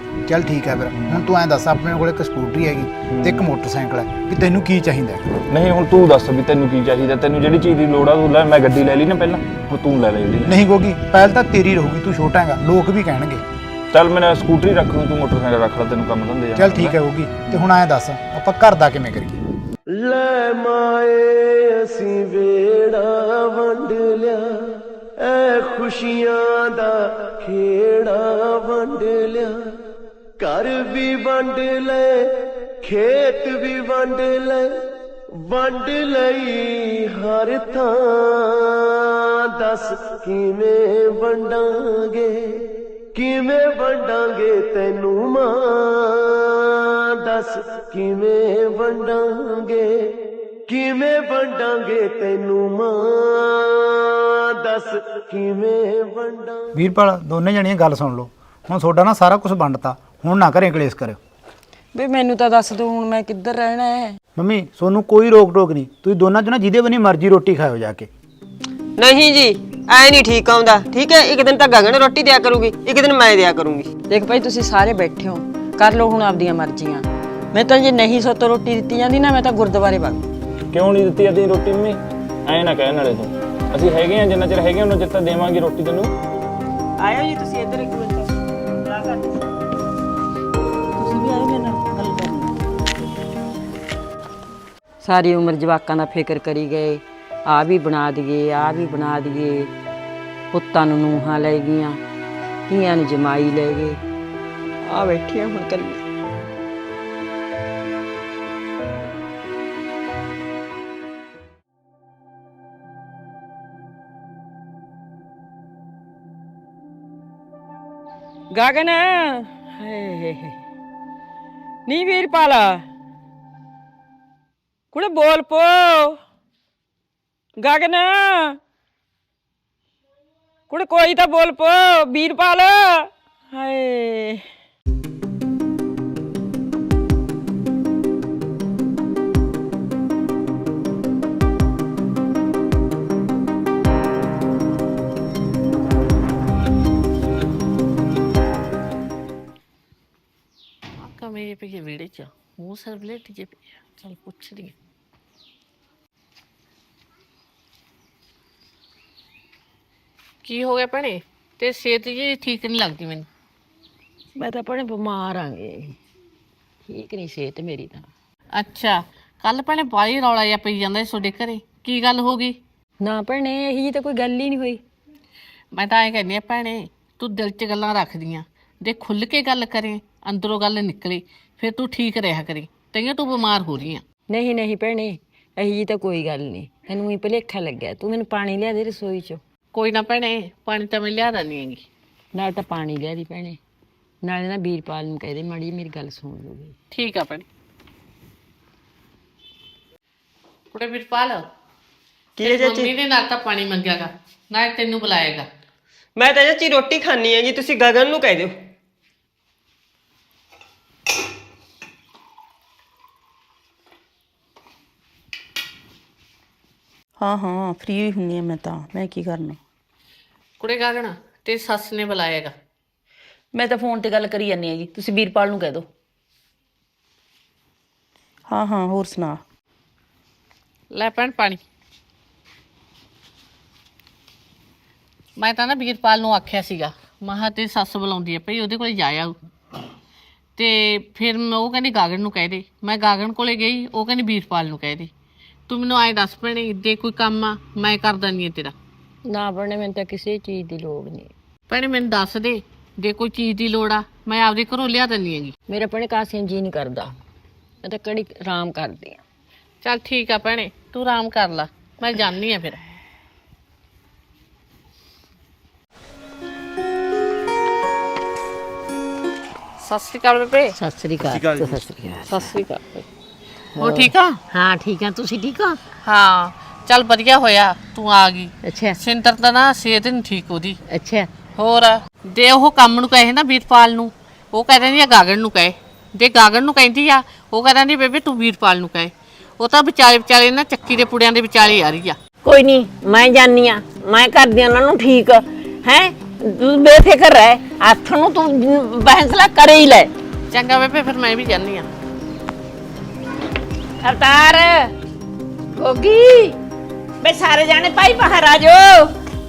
[SPEAKER 1] ਚੱਲ ਠੀਕ ਹੈ ਫਿਰ ਹੁਣ ਤੂੰ ਐਂ ਦੱਸ ਆਪਣੇ ਕੋਲ ਇੱਕ ਸਕੂਟਰੀ ਹੈਗੀ ਤੇ ਇੱਕ ਮੋਟਰਸਾਈਕਲ ਹੈ ਵੀ ਤੈਨੂੰ ਕੀ ਚਾਹੀਦਾ ਹੈ?
[SPEAKER 7] ਨਹੀਂ ਹੁਣ ਤੂੰ ਦੱਸ ਵੀ ਤੈਨੂੰ ਕੀ ਚਾਹੀਦਾ, ਤੈਨੂੰ ਜਿਹੜੀ ਚੀਜ਼ ਦੀ ਲੋੜ ਆ ਤੂੰ ਲੈ। ਮੈਂ ਗੱਡੀ ਲੈ ਲਈ ਨਾ ਪਹਿਲਾਂ, ਹੁਣ ਤੂੰ ਲੈ ਲੈ ਜਿਹੜੀ।
[SPEAKER 1] ਨਹੀਂ ਗੋਗੀ ਪਹਿਲ ਤਾਂ ਤੇਰੀ ਰਹੂਗੀ, ਤੂੰ ਛੋਟਾ ਹੈਗਾ, ਲੋਕ ਵੀ ਕਹਿਣਗੇ।
[SPEAKER 7] ਚੱਲ ਮੈਂ ਸਕੂਟਰੀ ਰੱਖ ਲੂੰ, ਤੂੰ ਮੋਟਰਸਾਈਕਲ ਰੱਖ ਲੈ, ਤੈਨੂੰ ਕੰਮ ਧੰਦੇ ਆ।
[SPEAKER 1] ਚੱਲ ਠੀਕ ਹੈ ਗੋਗੀ। ਤੇ ਹੁਣ ਐਂ ਦੱਸ ਆਪਾਂ ਘਰ ਦਾ ਕਿਵੇਂ ਕਰੀਏ?
[SPEAKER 10] ਲੈ ਮਾਏ ਅਸੀਂ ਵੇੜਾ ਵੰਡ ਲਿਆ, ਐ ਖੁਸ਼ੀਆਂ ਦਾ ਖੇੜਾ ਵੰਡ ਲਿਆ। ਘਰ ਵੀ ਵੰਡ ਲੈ, ਖੇਤ ਵੀ ਵੰਡ ਲੈ, ਵੰਡ ਲਈ ਹਰ ਥਾਂ। ਦੱਸ ਕਿਵੇਂ ਵੰਡਾਂਗੇ, ਕਿਵੇਂ ਵੰਡਾਂਗੇ ਤੈਨੂੰ ਮਾਂ। ਦੱਸ ਕਿਵੇਂ ਵੰਡਾਂਗੇ, ਕਿਵੇਂ ਵੰਡਾਂਗੇ ਤੈਨੂੰ ਮਾਂ। ਦੱਸ ਕਿਵੇਂ ਵੰਡਾਂ।
[SPEAKER 1] ਵੀਰਪਾਲ ਦੋਨੇ ਜਣੀਆਂ ਗੱਲ ਸੁਣ ਲਓ, ਹੁਣ ਤੁਹਾਡਾ ਨਾ ਸਾਰਾ ਕੁਝ ਵੰਡਤਾ, ਹੁਣ ਨਾ ਘਰੇ ਕਲੇਸ਼ ਕਰਿਓ।
[SPEAKER 5] ਵੇ ਮੈਨੂੰ ਤਾਂ ਦੱਸ ਦੋ ਹੁਣ ਮੈਂ ਕਿੱਧਰ ਰਹਿਣਾ ਹੈ।
[SPEAKER 1] ਮੰਮੀ ਤੁਹਾਨੂੰ ਕੋਈ ਰੋਕ ਟੋਕ ਨਹੀਂ, ਤੁਸੀਂ ਦੋਨਾਂ ਚੋਂ ਨਾ ਜਿਹਦੇ ਬਣੀ ਮਰਜ਼ੀ ਰੋਟੀ ਖਾਓ ਜਾ ਕੇ।
[SPEAKER 4] ਨਹੀਂ ਜੀ ਐ ਨਹੀਂ ਠੀਕ ਆਉਂਦਾ, ਠੀਕ ਹੈ? ਇੱਕ ਦਿਨ ਤਾਂ ਗਗਨ ਰੋਟੀ ਦਿਆ ਕਰੂਗੀ, ਇੱਕ ਦਿਨ ਮੈਂ ਦਿਆ ਕਰੂੰਗੀ।
[SPEAKER 5] ਦੇਖ ਭਾਈ ਤੁਸੀਂ ਸਾਰੇ ਬੈਠੇ ਹੋ, ਕਰ ਲਓ ਹੁਣ ਆਪਦੀਆਂ ਮਰਜ਼ੀਆਂ। ਮੈਂ ਤਾਂ ਜੇ ਨਹੀਂ ਸੋਤੋ ਰੋਟੀ ਦਿੱਤੀ ਜਾਂਦੀ ਨਾ, ਮੈਂ ਤਾਂ ਗੁਰਦੁਆਰੇ ਵਗ।
[SPEAKER 7] ਕਿਉਂ ਨਹੀਂ ਦਿੱਤੀ ਜਾਂਦੀ ਰੋਟੀ ਮੰਮੀ? ਐਂ ਨਾ ਕਹਿਣ ਵਾਲੇ ਤੂੰ, ਅਸੀਂ ਹੈਗੇ ਆ, ਜਿੰਨਾ ਚਿਰ ਹੈਗੇ ਉਹਨਾਂ ਚਿਰ ਤਾਂ ਦੇਵਾਂਗੇ ਰੋਟੀ ਤੈਨੂੰ।
[SPEAKER 4] ਆਇਓ ਜੀ ਤੁਸੀਂ ਇੱਧਰ ਇੱਕ ਮਿੰਟ ਸਲਾਹ ਕਰ।
[SPEAKER 5] ਤੁਸੀਂ ਵੀ ਆਏ ਮੇਰੇ ਨਾਲ ਗੱਲ ਕਰਨੀ। ਸਾਰੀ ਉਮਰ ਜਵਾਕਾਂ ਦਾ ਫਿਕਰ ਕਰੀ ਗਏ, ਆ ਵੀ ਬਣਾ ਦਈਏ, ਆ ਵੀ ਬਣਾ ਦਈਏ। ਪੁੱਤਾਂ ਨੂੰ ਨੂੰਹਾਂ ਲੈ ਗਈਆਂ, ਧੀਆਂ ਨੂੰ ਜਮਾਈ ਲੈ ਗਏ, ਆ ਬੈਠੀਆਂ ਹੁਣ ਕੱਲੀ। ਗਗਨ ਨੀ ਵੀਰਪਾਲ ਕੁੜੇ ਬੋਲ ਪੋ। ਗਗਨ ਕੁੜੇ ਕੋਈ ਤਾਂ ਬੋਲ ਪੋ। ਵੀਰਪਾਲ ਹਾਏ
[SPEAKER 6] ਮੇਰੇ ਪਈ ਵਿਹੜੇ ਚ ਮੂੰਹ ਸਿਰ ਬਲੇਟ ਜੇ ਪਿਆ। ਚੱਲ ਪੁੱਛਦੀ ਆ। ਕੀ ਹੋ ਗਿਆ ਭੈਣੇ? ਤੇ ਸਿਹਤ ਜੀ ਠੀਕ ਨਹੀਂ ਲੱਗਦੀ ਮੈਨੂੰ।
[SPEAKER 5] ਮੈਂ ਤਾਂ ਭੈਣੇ ਬਿਮਾਰ ਆਂਗੇ, ਠੀਕ ਨਹੀਂ ਸਿਹਤ ਮੇਰੀ ਤਾਂ।
[SPEAKER 6] ਅੱਛਾ ਕੱਲ ਭੈਣੇ ਬਾਹਲੀ ਰੌਲਾ ਜਿਹਾ ਪਈ ਜਾਂਦਾ ਸੀ ਤੁਹਾਡੇ ਘਰੇ, ਕੀ ਗੱਲ ਹੋ ਗਈ?
[SPEAKER 5] ਨਾ ਭੈਣੇ ਇਹੀ ਜੀ ਤਾਂ ਕੋਈ ਗੱਲ ਹੀ ਨਹੀਂ ਹੋਈ।
[SPEAKER 6] ਮੈਂ ਤਾਂ ਐਂ ਕਹਿੰਦੀ ਆ ਭੈਣੇ, ਤੂੰ ਦਿਲ 'ਚ ਗੱਲਾਂ ਰੱਖਦੀਆਂ, ਜੇ ਖੁੱਲ੍ਹ ਕੇ ਗੱਲ ਕਰੇ, ਅੰਦਰੋਂ ਗੱਲ ਨਿਕਲੇ, ਫਿਰ ਤੂੰ ਠੀਕ ਰਿਹਾ ਕਰੀ। ਤਈਆਂ ਤੂੰ ਬਿਮਾਰ ਹੋ ਰਹੀ ਆ।
[SPEAKER 5] ਨਹੀਂ ਨਹੀਂ ਭੈਣੇ ਇਹੀ ਜੀ ਤਾਂ ਕੋਈ ਗੱਲ ਨਹੀਂ, ਤੈਨੂੰ ਹੀ ਭੁਲੇਖਾ ਲੱਗਿਆ। ਤੂੰ ਮੈਨੂੰ ਪਾਣੀ ਲਿਆ ਦੇ ਰਸੋਈ 'ਚੋਂ।
[SPEAKER 6] ਕੋਈ ਨਾ ਭੈਣੇ, ਪਾਣੀ ਤਾਂ ਮੈਂ ਲਿਆ ਦਿੰਦੀ ਹੈਗੀ।
[SPEAKER 5] ਨਾਲ ਤਾਂ ਪਾਣੀ ਲਿਆ ਦੀ ਭੈਣੇ, ਨਾਲੇ ਨਾ ਵੀਰਪਾਲ ਨੂੰ ਕਹਿ ਦੇ ਮਾੜੀ ਮੇਰੀ ਗੱਲ ਸੁਣ ਲੂਗੀ।
[SPEAKER 6] ਠੀਕ ਆ ਭੈਣੇ। ਕੁੜੇ ਵੀਰਪਾਲ
[SPEAKER 4] ਕੀ ਹੈ ਚਾਚੀ?
[SPEAKER 6] ਮੰਮੀ ਨੇ ਨਾਲ ਤਾਂ ਪਾਣੀ ਮੰਗਿਆਗਾ, ਨਾਲ ਤੈਨੂੰ ਬੁਲਾਏਗਾ।
[SPEAKER 4] ਮੈਂ ਤਾਂ ਚਾਚੀ ਰੋਟੀ ਖਾਣੀ ਹੈਗੀ, ਤੁਸੀਂ ਗਗਨ ਨੂੰ ਕਹਿ ਦਿਓ।
[SPEAKER 11] ਹਾਂ ਹਾਂ ਫ੍ਰੀ ਹੁੰਨੀ ਆ ਮੈਂ ਕੀ ਕਰਨਾ।
[SPEAKER 6] ਕੁੜੇ ਗਗਨ ਤੇ ਸੱਸ ਨੇ ਬੁਲਾਏਗਾ।
[SPEAKER 11] ਮੈਂ ਤਾਂ ਫੋਨ ਤੇ ਗੱਲ ਕਰੀ ਜਾਂਦੀ ਆ ਜੀ, ਤੁਸੀਂ ਵੀਰਪਾਲ ਨੂੰ ਕਹਿ ਦਿਓ। ਹਾਂ ਹਾਂ ਹੋਰ ਸੁਣਾ।
[SPEAKER 6] ਲੈ ਭੈਣ ਪਾਣੀ। ਮੈਂ ਤਾਂ ਨਾ ਵੀਰਪਾਲ ਨੂੰ ਆਖਿਆ ਸੀਗਾ, ਮਹਾ ਤੇ ਸੱਸ ਬੁਲਾਉਂਦੀ ਹੈ ਭਈ ਉਹਦੇ ਕੋਲੇ ਜਾ ਆਊ। ਤੇ ਫਿਰ ਉਹ ਕਹਿੰਦੀ ਗਾਗਨ ਨੂੰ ਕਹਿ ਦੇ। ਮੈਂ ਗਾਗਨ ਕੋਲੇ ਗਈ, ਉਹ ਕਹਿੰਦੀ ਵੀਰਪਾਲ ਨੂੰ ਕਹਿ ਦੇ। ਤੂੰ ਮੈਨੂੰ ਆਏ ਦੱਸ ਭੈਣੇ, ਜੇ ਕੋਈ ਕੰਮ ਆ ਮੈਂ ਕਰ ਦਿੰਦੀ ਹਾਂ ਤੇਰਾ।
[SPEAKER 5] ਨਾ ਭੈਣੇ ਮੈਨੂੰ ਤਾਂ ਕਿਸੇ ਚੀਜ਼ ਦੀ ਲੋੜ ਨਹੀਂ।
[SPEAKER 6] ਭੈਣੇ ਮੈਨੂੰ ਦੱਸ ਦੇ, ਜੇ ਕੋਈ ਚੀਜ਼ ਦੀ ਲੋੜ ਆ ਮੈਂ ਆਪਦੇ ਘਰੋਂ ਲਿਆ ਦਿੰਦੀ ਹੈਗੀ।
[SPEAKER 5] ਮੇਰਾ ਭੈਣੇ ਕਾਸੇ ਜੀ ਨਹੀਂ ਕਰਦਾ, ਮੈਂ ਤਾਂ ਕੜੀ ਆਰਾਮ ਕਰਦੀ ਆ।
[SPEAKER 6] ਚੱਲ ਠੀਕ ਆ ਭੈਣੇ, ਤੂੰ ਆਰਾਮ ਕਰ ਲਾ, ਮੈਂ ਜਾਂਦੀ ਆ ਫਿਰ। ਸਤਿ ਸ਼੍ਰੀ ਅਕਾਲ ਬੇਬੇ।
[SPEAKER 3] ਸਤਿ ਸ੍ਰੀ ਅਕਾਲ। ਸਤਿ ਸ੍ਰੀ ਅਕਾਲ।
[SPEAKER 6] ਸਤਿ ਸ਼੍ਰੀ ਅਕਾਲ। ਹੋ ਠੀਕ ਆ?
[SPEAKER 3] ਹਾਂ ਠੀਕ ਆ, ਤੁਸੀਂ ਠੀਕ ਹੋ?
[SPEAKER 6] ਹਾਂ ਚੱਲ ਵਧੀਆ ਹੋਇਆ ਤੂੰ ਆ ਗਈ।
[SPEAKER 3] ਅੱਛਾ
[SPEAKER 6] ਸਿੰਦਰ ਤਾਂ ਨਾ ਸਿਹਤ ਨਹੀਂ ਠੀਕ ਉਹਦੀ।
[SPEAKER 3] ਅੱਛਾ
[SPEAKER 6] ਹੋਰ ਦੇ ਉਹ ਕੰਮ ਨੂੰ ਕਹੇ ਨਾ ਵੀਰਪਾਲ ਨੂੰ, ਉਹ ਕਹਿ ਦਿੰਦੀ ਆ ਗਾਗਨ ਨੂੰ ਕਹੇ। ਜੇ ਗਾਗਨ ਨੂੰ ਕਹਿੰਦੀ ਆ, ਉਹ ਕਹਿ ਦਿੰਦੀ ਬੇਬੇ ਤੂੰ ਵੀਰਪਾਲ ਨੂੰ ਕਹੇ। ਉਹ ਤਾਂ ਵਿਚਾਲੇ ਨਾ ਚੱਕੀ ਦੇ ਪੁੜਿਆਂ ਦੇ ਵਿਚਾਲੇ ਆ ਰਹੀ ਆ।
[SPEAKER 3] ਕੋਈ ਨਹੀਂ, ਮੈਂ ਜਾਨੀ ਆ, ਮੈਂ ਕਰਦੀ ਉਹਨਾਂ ਨੂੰ ਠੀਕ ਹੈ। ਤੂੰ ਬੇਫਿਕਰ ਰਹਿ, ਹੱਥ ਨੂੰ ਤੂੰ ਫੈਸਲਾ ਕਰ ਹੀ ਲੈ।
[SPEAKER 6] ਚੰਗਾ ਬੇਬੇ ਫਿਰ ਮੈਂ ਵੀ ਜਾਂਦੀ ਆ।
[SPEAKER 3] ਅਵਤਾਰ ਗੋਗੀ ਬੇ ਸਾਰੇ ਜਾਣੇ ਭਾਈ ਬਾਹਰ ਆ ਜਾਓ।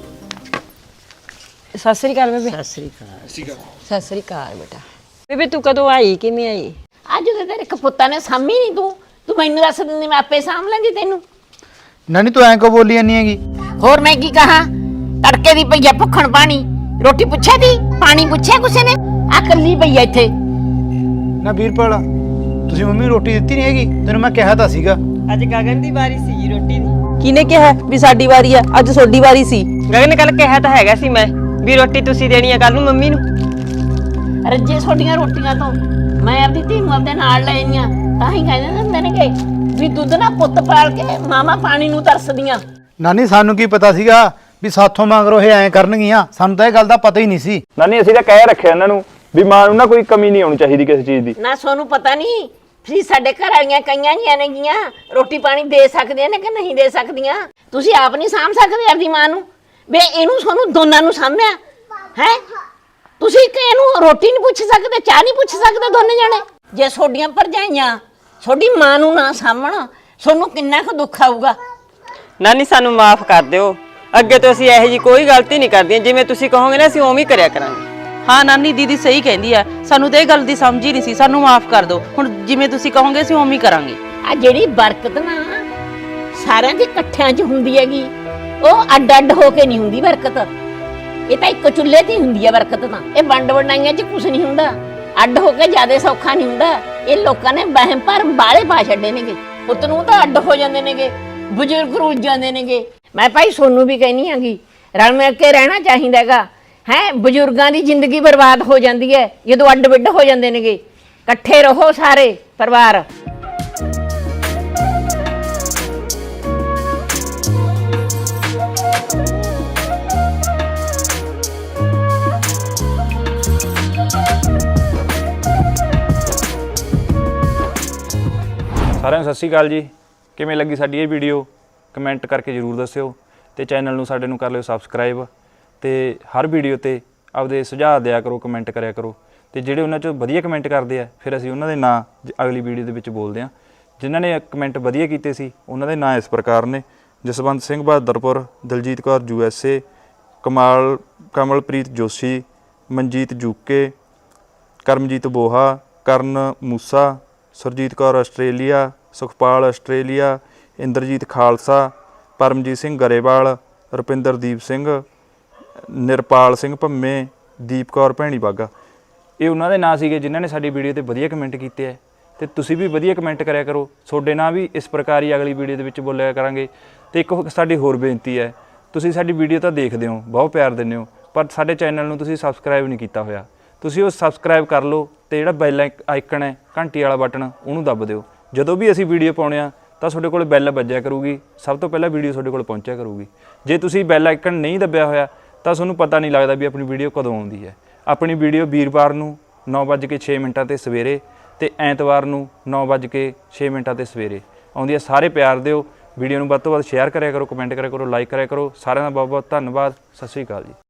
[SPEAKER 5] ਸਤਿ ਸ੍ਰੀ ਅਕਾਲ ਬੇਬੇ।
[SPEAKER 3] ਸਤਿ ਸ੍ਰੀ ਅਕਾਲ।
[SPEAKER 5] ਸਤਿ ਸ੍ਰੀ ਅਕਾਲ ਬੇਟਾ। ਬੇਬੇ ਤੂੰ ਕਦੋਂ ਆਈ, ਕਿਵੇਂ ਆਈ?
[SPEAKER 3] ਅੱਜ ਤੇ ਤੇਰੇ ਕਪੁੱਤਾਂ ਨੇ ਸਾਂਭੀ ਨਹੀਂ, ਤੂੰ ਮੈਨੂੰ ਦੱਸ ਦਿੰਦੀ ਮੈਂ ਆਪੇ ਸਾਂਭ ਲਾਂਗੀ ਤੈਨੂੰ।
[SPEAKER 1] ਨਾਨੀ ਤੂੰ ਐਂ ਕੋ ਬੋਲੀ ਜਾਂਦੀ ਹੈਗੀ?
[SPEAKER 3] ਹੋਰ ਮੈਂ ਕੀ ਕਹਾਂ, ਤੜਕੇ ਦੀ ਪਈ ਆ ਭੁੱਖਣ ਪਾਣੀ, ਰੋਟੀ ਪੁੱਛਿਆ ਦੀ, ਪਾਣੀ ਪੁੱਛਿਆ ਕਿਸੇ ਨੇ? ਆ ਕੱਲੀ ਪਈ ਆ ਇੱਥੇ।
[SPEAKER 1] ਨਾ ਵੀਰਪਾਲ, ਤੁਸੀਂ ਮੰਮੀ ਨੂੰ ਰੋਟੀ ਦਿੱਤੀ ਨਹੀਂ ਹੈਗੀ? ਤੈਨੂੰ ਮੈਂ ਕਿਹਾ ਤਾਂ ਸੀਗਾ।
[SPEAKER 4] ਅੱਜ ਗਗਨ ਦੀ ਵਾਰੀ ਸੀ ਜੀ ਰੋਟੀ ਦੀ।
[SPEAKER 5] ਕਿਹਨੇ ਕਿਹਾ ਵੀ ਸਾਡੀ ਵਾਰੀ ਆ? ਅੱਜ ਤੁਹਾਡੀ ਵਾਰੀ ਸੀ।
[SPEAKER 4] ਗਗਨ ਕੱਲ ਕਿਹਾ ਤਾਂ ਹੈਗਾ ਸੀ ਮੈਂ ਵੀ ਰੋਟੀ ਤੁਸੀਂ ਦੇਣੀ ਆ ਕੱਲ ਨੂੰ ਮੰਮੀ ਨੂੰ।
[SPEAKER 3] ਰੱਜੇ ਛੋਟੀਆਂ ਰੋਟੀਆਂ ਤੋਂ ਮੈਂ ਆਪਦੀ ਧੀ ਨੂੰ ਆਪਦੇ ਨਾਲ ਲੈ ਆਈਆਂ, ਤਾਂ ਹੀ ਕਹਿੰਦੇ ਹੁੰਦੇ ਨੇ ਕਿ ਵੀ ਦੁੱਧ ਨਾ ਪੁੱਤ ਪਾਲ ਕੇ ਮਾਮਾ ਪਾਣੀ ਨੂੰ ਤਰਸਦੀਆਂ।
[SPEAKER 1] ਨਾਨੀ ਸਾਨੂੰ ਕੀ ਪਤਾ ਸੀਗਾ ਵੀ ਸਾਥੋਂ ਮੰਗਰੋ ਇਹ ਐਂ ਕਰਨਗੀਆਂ, ਸਾਨੂੰ ਤਾਂ ਇਹ ਗੱਲ ਦਾ ਪਤਾ ਹੀ ਨਹੀਂ ਸੀ।
[SPEAKER 7] ਨਾਨੀ ਅਸੀਂ ਤਾਂ ਕਹਿ ਰੱਖਿਆ ਇਹਨਾਂ ਨੂੰ ਵੀ ਮਾਂ ਨੂੰ ਨਾ ਕੋਈ ਕਮੀ ਨਹੀਂ ਆਉਣੀ ਚਾਹੀਦੀ ਕਿਸੇ ਚੀਜ਼ ਦੀ।
[SPEAKER 3] ਨਾ ਸੋਨੂੰ ਪਤਾ ਨਹੀਂ ਵੀ ਸਾਡੇ ਘਰ ਵਾਲੀਆਂ ਕਈਆਂ ਜੀਆਂ ਨੇਗੀਆਂ ਰੋਟੀ ਪਾਣੀ ਦੇ ਸਕਦੀਆਂ ਨੇ ਕਿ ਨਹੀਂ ਦੇ ਸਕਦੀਆਂ। ਤੁਸੀਂ ਆਪ ਨਹੀਂ ਸਾਂਭ ਸਕਦੇ ਆਪਦੀ ਮਾਂ ਨੂੰ, ਵੇ ਇਹਨੂੰ ਸੋਨੂੰ ਦੋਨਾਂ ਨੂੰ ਸਾਂਭਿਆ ਹੈ। ਤੁਸੀਂ ਕਿ ਇਹਨੂੰ ਰੋਟੀ ਨਹੀਂ ਪੁੱਛ ਸਕਦੇ, ਚਾਹ ਨਹੀਂ ਪੁੱਛ ਸਕਦੇ ਦੋਨੇ ਜਣੇ? ਜੇ ਤੁਹਾਡੀਆਂ ਭਰਜਾਈਆਂ ਤੁਹਾਡੀ ਮਾਂ ਨੂੰ ਨਾ ਸਾਂਭਣ, ਤੁਹਾਨੂੰ ਕਿੰਨਾ ਕੁ ਦੁੱਖ ਆਊਗਾ।
[SPEAKER 4] ਨਾਨੀ ਸਾਨੂੰ ਮਾਫ ਕਰ ਦਿਓ, ਅੱਗੇ ਤੋਂ ਅਸੀਂ ਇਹੋ ਜੀ ਕੋਈ ਗਲਤੀ ਨਹੀਂ ਕਰਦੀਆਂ। ਜਿਵੇਂ ਤੁਸੀਂ ਕਹੋਗੇ ਨਾ ਅਸੀਂ ਉਵੇਂ ਹੀ ਕਰਿਆ ਕਰਾਂਗੇ।
[SPEAKER 11] ਹਾਂ ਨਾਨੀ ਦੀਦੀ ਸਹੀ ਕਹਿੰਦੀ ਆ, ਸਾਨੂੰ ਤਾਂ ਇਹ ਗੱਲ ਦੀ ਸਮਝ ਹੀ ਨਹੀਂ ਸੀ, ਸਾਨੂੰ ਮਾਫ ਕਰ ਦਿਓ। ਹੁਣ ਜਿਵੇਂ ਤੁਸੀਂ ਕਹੋਗੇ ਅਸੀਂ ਉਵੇਂ ਹੀ ਕਰਾਂਗੇ।
[SPEAKER 3] ਆ ਜਿਹੜੀ ਬਰਕਤ ਨਾ ਸਾਰਿਆਂ ਦੇ ਇਕੱਠਿਆਂ 'ਚ ਹੁੰਦੀ ਹੈਗੀ, ਉਹ ਅੱਡ ਅੱਡ ਹੋ ਕੇ ਨਹੀਂ ਹੁੰਦੀ ਬਰਕਤ। ਇਹ ਤਾਂ ਇੱਕ ਚੁੱਲ੍ਹੇ ਤੇ ਹੀ ਹੁੰਦੀ ਹੈ ਬਰਕਤ। ਤਾਂ ਇਹ ਵੰਡ ਵੰਡਾਈਆਂ 'ਚ ਕੁਝ ਨਹੀਂ ਹੁੰਦਾ, ਅੱਡ ਹੋ ਕੇ ਜ਼ਿਆਦਾ ਸੌਖਾ ਨਹੀਂ ਹੁੰਦਾ। ਇਹ ਲੋਕਾਂ ਨੇ ਵਹਿਮ ਭਰਮ ਬਾਲੇ ਪਾ ਛੱਡੇ ਨੇਗੇ, ਪੁੱਤ ਨੂੰ ਤਾਂ ਅੱਡ ਹੋ ਜਾਂਦੇ ਨੇਗੇ, ਬਜ਼ੁਰਗ ਰੁੱਲ ਜਾਂਦੇ ਨੇਗੇ। ਮੈਂ ਭਾਈ ਸੋਨੂੰ ਵੀ ਕਹਿਨੀ ਆਂਗੀ, ਰਲ ਮਿਲ ਕੇ ਰਹਿਣਾ ਚਾਹੀਦਾ ਹੈਗਾ ਹੈ। ਬਜ਼ੁਰਗਾਂ ਦੀ ਜ਼ਿੰਦਗੀ ਬਰਬਾਦ ਹੋ ਜਾਂਦੀ ਹੈ ਜਦੋਂ ਅੱਡ ਵਿੱਡ ਹੋ ਜਾਂਦੇ ਨੇਗੇ। ਇਕੱਠੇ ਰਹੋ ਸਾਰੇ ਪਰਿਵਾਰ।
[SPEAKER 7] ਸਾਰਿਆਂ ਨੂੰ ਸਤਿ ਸ਼੍ਰੀ ਅਕਾਲ ਜੀ। ਕਿਵੇਂ ਲੱਗੀ ਸਾਡੀ ਇਹ ਵੀਡੀਓ ਕਮੈਂਟ ਕਰਕੇ ਜ਼ਰੂਰ ਦੱਸਿਓ, ਤੇ ਚੈਨਲ ਨੂੰ ਸਾਡੇ ਨੂੰ ਕਰ ਲਿਓ ਸਬਸਕ੍ਰਾਈਬ, ਤੇ ਹਰ ਵੀਡੀਓ ਤੇ ਆਪਦੇ ਸੁਝਾਅ ਦਿਆ ਕਰੋ, ਕਮੈਂਟ ਕਰਿਆ ਕਰੋ। ਤੇ ਜਿਹੜੇ ਉਹਨਾਂ 'ਚੋਂ ਵਧੀਆ ਕਮੈਂਟ ਕਰਦੇ ਆ ਫਿਰ ਅਸੀਂ ਉਹਨਾਂ ਦੇ ਨਾਂ ਅਗਲੀ ਵੀਡੀਓ ਦੇ ਵਿੱਚ ਬੋਲਦੇ ਹਾਂ। ਜਿਨ੍ਹਾਂ ਨੇ ਕਮੈਂਟ ਵਧੀਆ ਕੀਤੇ ਸੀ ਉਹਨਾਂ ਦੇ ਨਾਂ ਇਸ ਪ੍ਰਕਾਰ ਨੇ: Jaswant Singh Bahadarpur, Daljit Kaur USA, Kamalpreet Joshi, Manjeet ਜੂਕੇ, Karamjit Boha, Karan Moosa, Surjit Kaur Australia, Sukhpal Australia, Inderjit Khalsa, Paramjit Singh Grewal, Rupinderdeep Singh, Nirpal Singh Bhamme, Deep Kaur Bhaini Bagha. ਇਹ ਉਹਨਾਂ ਦੇ ਨਾਂ ਸੀਗੇ ਜਿਨ੍ਹਾਂ ਨੇ ਸਾਡੀ ਵੀਡੀਓ ਤੇ ਵਧੀਆ ਕਮੈਂਟ ਕੀਤੇ ਹੈ। ਤੇ ਤੁਸੀਂ ਵੀ ਵਧੀਆ ਕਮੈਂਟ ਕਰਿਆ ਕਰੋ, ਤੁਹਾਡੇ ਨਾਂ ਵੀ ਇਸ ਪ੍ਰਕਾਰ ਹੀ ਅਗਲੀ ਵੀਡੀਓ ਦੇ ਵਿੱਚ ਬੋਲਿਆ ਕਰਾਂਗੇ। ਤੇ ਇੱਕ ਸਾਡੀ ਹੋਰ ਬੇਨਤੀ ਹੈ, ਤੁਸੀਂ ਸਾਡੀ ਵੀਡੀਓ ਤਾਂ ਦੇਖਦੇ ਹੋ, ਬਹੁਤ ਪਿਆਰ ਦਿੰਦੇ ਹੋ, ਪਰ ਸਾਡੇ ਚੈਨਲ ਨੂੰ ਤੁਸੀਂ ਸਬਸਕ੍ਰਾਈਬ ਨਹੀਂ ਕੀਤਾ ਹੋਇਆ। ਤੁਸੀਂ ਉਹ ਸਬਸਕ੍ਰਾਈਬ ਕਰ ਲਓ, ਤੇ ਜਿਹੜਾ ਬੈਲ ਆਈਕਨ ਹੈ ਘੰਟੀ ਵਾਲਾ ਬਟਨ ਉਹਨੂੰ ਦੱਬ ਦਿਓ। ਜਦੋਂ ਵੀ ਅਸੀਂ ਵੀਡੀਓ ਪਾਉਂਦੇ ਹਾਂ ਤਾਂ ਤੁਹਾਡੇ ਕੋਲ ਬੈਲ ਵੱਜਿਆ ਕਰੂਗੀ, ਸਭ ਤੋਂ ਪਹਿਲਾਂ ਵੀਡੀਓ ਤੁਹਾਡੇ ਕੋਲ ਪਹੁੰਚਿਆ ਕਰੂਗੀ। ਜੇ ਤੁਸੀਂ ਬੈਲ ਆਈਕਨ ਨਹੀਂ ਦੱਬਿਆ ਹੋਇਆ ਤਾਂ ਤੁਹਾਨੂੰ ਪਤਾ ਨਹੀਂ ਲੱਗਦਾ ਵੀ ਆਪਣੀ ਵੀਡੀਓ ਕਦੋਂ ਆਉਂਦੀ ਹੈ। ਆਪਣੀ ਵੀਡੀਓ ਵੀਰਵਾਰ ਨੂੰ 9:06 ਤੇ ਸਵੇਰੇ, ਤੇ ਐਤਵਾਰ ਨੂੰ 9:06 ਤੇ ਸਵੇਰੇ ਆਉਂਦੀ ਹੈ। ਸਾਰੇ ਪਿਆਰ ਦਿਓ, ਵੀਡੀਓ ਨੂੰ ਵੱਧ ਤੋਂ ਵੱਧ ਸ਼ੇਅਰ ਕਰਿਆ ਕਰੋ, ਕਮੈਂਟ ਕਰਿਆ ਕਰੋ, ਲਾਈਕ ਕਰਿਆ ਕਰੋ। ਸਾਰਿਆਂ ਦਾ ਬਹੁਤ ਬਹੁਤ ਧੰਨਵਾਦ। ਸਤਿ ਸ਼੍ਰੀ ਅਕਾਲ ਜੀ।